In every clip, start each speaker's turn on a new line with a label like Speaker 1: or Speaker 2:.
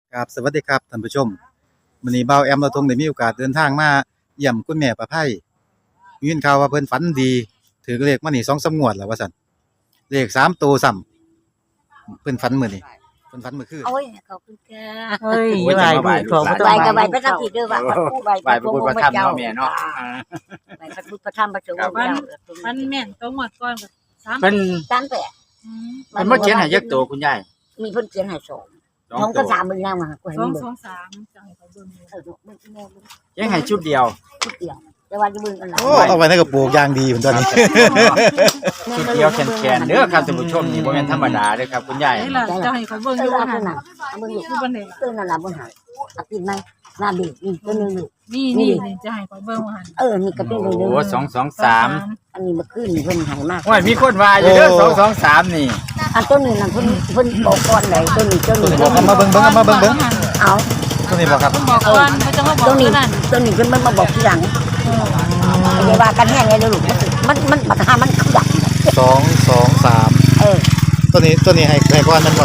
Speaker 1: ครับสวัสดีครับท่านผู้ชมมื้อนี้เบาแอมเราทงได้มีโอกาสเดินทางมาเยี่ยมคุณแม่ประไพมียินข่าวว่าเพิ่นฝันดีถือเลขมานี่2-3งวดแล้วว่าซั่นเลข3ตัวซ้ำเพิ่นฝันมื้อนี้เพิ่นฝันเมื่อคืน
Speaker 2: โอ้ยขอบคุณค่ะ
Speaker 3: เฮ้ย
Speaker 4: โอ้ย
Speaker 3: ไหว
Speaker 4: จะมา
Speaker 3: ดู
Speaker 4: ไหว้
Speaker 3: ของ
Speaker 4: ลูกหลาน
Speaker 2: ไหวกับไหวพระธรรมผิดด้วยว่าพระผู้ไหว
Speaker 4: ไหว้พระพุทธพระธรรมเนาะแม่เนาะ
Speaker 2: ไหวพระพุทธพระธรรมพระสงฆ์
Speaker 4: ครับ
Speaker 2: เจ้า
Speaker 5: มันแม่นตัวหมดก่อนกับสาม
Speaker 4: เพิ่น
Speaker 2: สามแปด
Speaker 4: เพิ่นมาเขียนให้ยักษ์โตคุณยาย
Speaker 2: มีเพิ่นเขียนให้สอง
Speaker 4: สอง
Speaker 2: ท้อง
Speaker 4: ตั
Speaker 2: ก็
Speaker 4: ว
Speaker 2: สามมึงนั่งมากูเห็น
Speaker 5: สอง
Speaker 2: มึง
Speaker 5: สองสามจังให้เขาเบิ่งอยู่
Speaker 2: มึงแม่มึง
Speaker 4: เขียนให้ชุดเดียว
Speaker 2: ทุกเดียวแต่ว่าจะมึงกันหลาย
Speaker 1: โอ้เอาไว้ในกระปุกอย่างดีเพิ่นตอนนี้
Speaker 4: ชุดเดียวแขนๆเด้อครับท่านผู้ชมนี่บ่แม่นธรรมดาเด้อครับคุณยาย
Speaker 5: นี่ล่ะจะให้เขาเบิ่ง
Speaker 2: เอ
Speaker 5: อยู่
Speaker 2: อ
Speaker 5: ว่า
Speaker 2: เอา
Speaker 5: หั่น
Speaker 2: หนังเอามึงอยู่
Speaker 5: อยู่บ่ได้
Speaker 2: เออนั่นน่ะมึงหายเอากินไหมหน้าบีนี่ตัวนึงอยู่
Speaker 5: นี่จะให้เขาเบิ่งว่าหั่น
Speaker 2: เออนี่ก็เป็นเลย
Speaker 4: โอ้223
Speaker 2: อันนี้เมื่อคืนนี่เพิ่นใหายมาก
Speaker 4: โอ้ยมีคนว่าอยู่เด้อ223นี่
Speaker 2: อันตัวนึงนั่นเพิ่นบอกก่อนไหนตัวนี้ตัว
Speaker 1: ตัว
Speaker 2: นี้
Speaker 1: นี้บอกเอามาเบิ่งเอามาเบิ่ง
Speaker 2: เอา
Speaker 1: ตัวนี้บอกครับ
Speaker 5: ต้องบอกก่อนเขาจะมาบอ
Speaker 2: ตั
Speaker 5: ก
Speaker 2: วนี้
Speaker 5: นั่น
Speaker 2: ตัวนี้เพิ่นมาบอกทีหลังอย่าว่ากันแห้งเลยลูกมันปัญหามันคือดับ
Speaker 1: 2-2-3
Speaker 2: เออ
Speaker 1: ตัวนี้ให้ก่อนมันบ่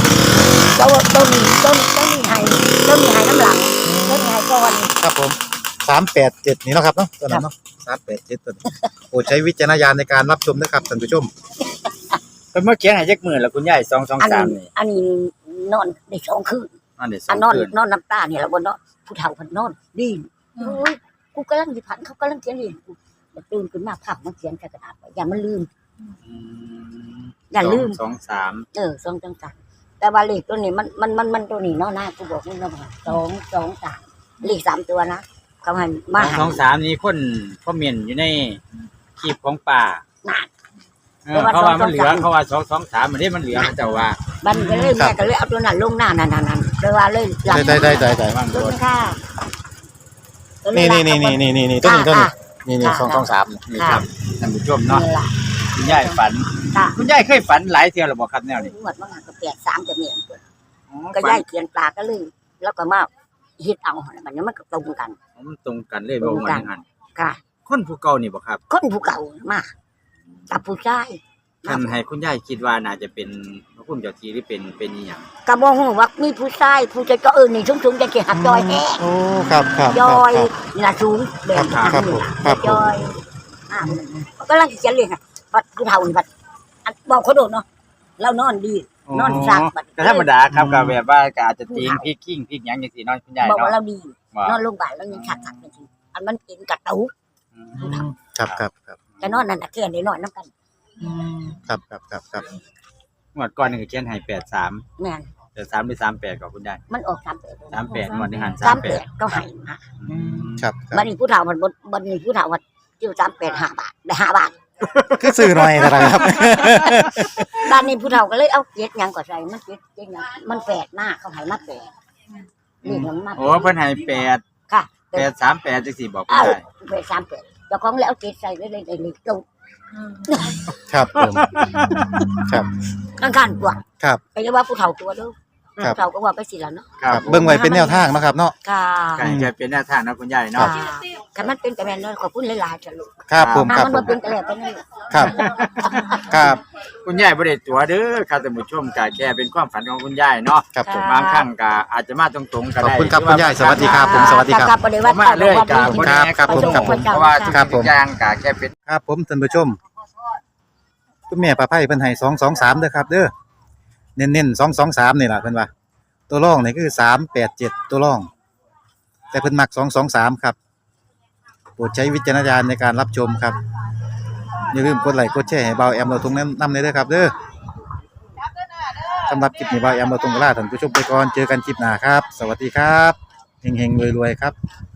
Speaker 2: ต้นให้น้ำหลังต้นให้ก่อน
Speaker 1: ครับผม387นี่เนาะครับเนาะตัวนั้นเนาะ387ตัวนี้โปรดใช้วิจารณญาณในการรับชมด้วยครับท่านผู้ชม
Speaker 4: เพิ่นมาเขียนให้ยักษ์มื้อแล้วคุณยาย
Speaker 2: อันนี้
Speaker 4: 223นี่
Speaker 2: นอนได้สองคืน
Speaker 4: อันนี้
Speaker 2: อันนอน
Speaker 4: 2คืน
Speaker 2: นอนน้ำตาเนี่ยละบนเนาะผู้เฒ่าเพิ่นนอนดีโอ้ยกูกำลังสิผันเขากำลังเขียนนี่กูตื่นขึ้นมาพักมาเขียนใส่กระดาษไว้อย่ามันลืม อย่าลืม
Speaker 4: 23
Speaker 2: สองจังๆแต่ว่าเลขตัวนี้มันตัวนี้เนาะนะกูบอกมึงแล้วว่า2-2-3เลข3ตัวนะเขาให้มาให้
Speaker 4: 223นี่คนคอมเมนต์อยู่ในคลิปของป้า
Speaker 2: น่ะ
Speaker 4: เขาว่ามันเหลือเขาว่า223มันมันเหลือเจ้าว่า
Speaker 2: บันก็เลยแม่ก็เลยเอาตัวนั้นลงหน้านั่นเลยว่าเลยหลัง
Speaker 1: ได้
Speaker 4: ว่าง
Speaker 2: ตัว
Speaker 4: โดน
Speaker 2: นี้ค่ะ
Speaker 1: นี่ตัวนี้นี่2-2-3
Speaker 4: นี่ครับท่านผู้ชมเนาะ
Speaker 2: นี่ล่ะ
Speaker 4: คุณยายฝัน
Speaker 2: ค่ะ
Speaker 4: คุณยายเคยฝันหลายเที่ยวหรือบ่ครับแนวนี้
Speaker 2: งวดว่าก็83จะเมียนก็ย้ายเขียนปลาก็เลยแล้วก็มาเฮ็ดเอาหั่นบัดนี้มันก็ตรงกัน
Speaker 4: มันตรงกันเลยบ่ว่าอย่างนั้น
Speaker 2: ค่ะ
Speaker 4: คนผู้เก่านี่บ่ครับ
Speaker 2: คนผู้เก่ามากับผู้ชาย
Speaker 4: ท่านให้คุณยายคิดว่าน่าจะเป็นพระคุณเจ้าที่หรือเป็นอีหยัง
Speaker 2: ก็บ่ฮู้ว่ามีผู้ชายผู้จะก็นี่สูงๆจะสิหักจอยแฮะ
Speaker 1: โอ้ครับ
Speaker 2: จอยนี่ล่ะสูงแบบ
Speaker 1: ครับผม
Speaker 2: จอยก็ลังสิเขียนเลยค่ะบัดผู้เฒ่านี่บัดอันบอกเขาโดดเนาะเรานอนดี นอนซักบัด
Speaker 4: ก็ธรรมดาครับก็แบบว่าก็อาจจะติงพริกกิ้งพริกหยังจังซี่เนาะคุณยาย
Speaker 2: บอกว่า
Speaker 4: เนาะ
Speaker 2: เราดี
Speaker 4: ว่าน
Speaker 2: อนโรงพยาบาลแล้วยังชักๆจริงๆอันมันกินกระตุก
Speaker 1: ครับ
Speaker 2: แต่นอนนั่นน่ะแค่ได้นอนนำกัน
Speaker 1: ครับ
Speaker 4: งวดก่อนนี่ก็เขียนให้83
Speaker 2: แม่น
Speaker 4: 83หรือ38ก็คุณยาย
Speaker 2: มันออก38
Speaker 4: 38งวดนี้หัน
Speaker 2: 38ก็ให้มา
Speaker 1: ครับ
Speaker 2: บัดนี้ผู้เฒ่ามันบัดนี้ผู้เฒ่าว่าจิ้ว38 5 บาทได้5 บาท
Speaker 1: คือซื้อหน่อยนะครับ
Speaker 2: บ้านนี้ผู้เฒ่าก็เลยเอาเจ็ดหยังก็ใส่มันเจ็ดหยังมันแปดมากเขาให้มาแปดนี่มันมา
Speaker 4: โอ้เพิ่นให้8
Speaker 2: ค่ะ
Speaker 4: 838จังซี่บอกคุณ
Speaker 2: เอา
Speaker 4: ยาย
Speaker 2: แปด38เจ้าของแล้วเอาเจ็ดใส่เลยเลยลง
Speaker 1: ครับผมครับ
Speaker 2: ข้างๆกว่า
Speaker 1: ครับ
Speaker 2: ไปเรียกว่าผู้เฒ่าตัวเด้อ
Speaker 1: ครับ
Speaker 2: ผู้เฒ่าก็ว่าไปสิแล้วเนาะ
Speaker 1: ครับเบิ่งไว้เป็นแนวทางนะครับเนาะ
Speaker 2: ค่ะ
Speaker 4: ก็ให้แกเป็นแนวทางนะคุณยาย
Speaker 2: ค่ะ
Speaker 4: เนาะ
Speaker 2: คันมันเป็นแต่แม่นเนาะขอบคุณหลายๆจ้ะลูก
Speaker 1: ครับผม
Speaker 2: ถ้า
Speaker 1: ครับ
Speaker 2: มัน
Speaker 1: ผ
Speaker 2: บ่
Speaker 1: ม
Speaker 2: เป็นแต่แล้วไปนั่นแหละ
Speaker 1: ครับครับ
Speaker 4: คุณยายบ่ได้ตัวเด้อครับท่านผู้ชมก็แค่เป็นความฝันของคุณยายเนาะ
Speaker 1: ครับผม
Speaker 4: บางครั้งก็อาจจะมาตรงๆก็
Speaker 1: ขอบ
Speaker 4: ได้
Speaker 1: คุณครับคุณยายสวัสดีครับผมสวัสดีครับ
Speaker 2: บ่ได้ว่า
Speaker 4: มาเลยก็บ่ได้
Speaker 1: ครับผมครับผม
Speaker 4: เพราะว่าทุ
Speaker 1: ครับผม
Speaker 4: กอย่างก็แค่เป็น
Speaker 1: ครับผมท่านผู้ชมคุณแม่ประไพเพิ่นให้2-2-3เด้อครับเด้อเน้นๆ2-2-3นี่ล่ะเพิ่นว่าตัวรองนี่คือ3-8-7ตัวรอง แต่เพิ่นมัก2-2-3ครับโปรดใช้วิจารณญาณในการรับชมครับอย่าลืมกดไลค์กดแชร์ให้เบาแอมเราตรงนั้นนำเลยเด้อครับเด้อสำหรับคลิปนี้เบาแอมเราตรงลาท่านผู้ชมไปก่อนเจอกันคลิปหน้าครับ สวัสดีครับเฮงๆรวยๆครับ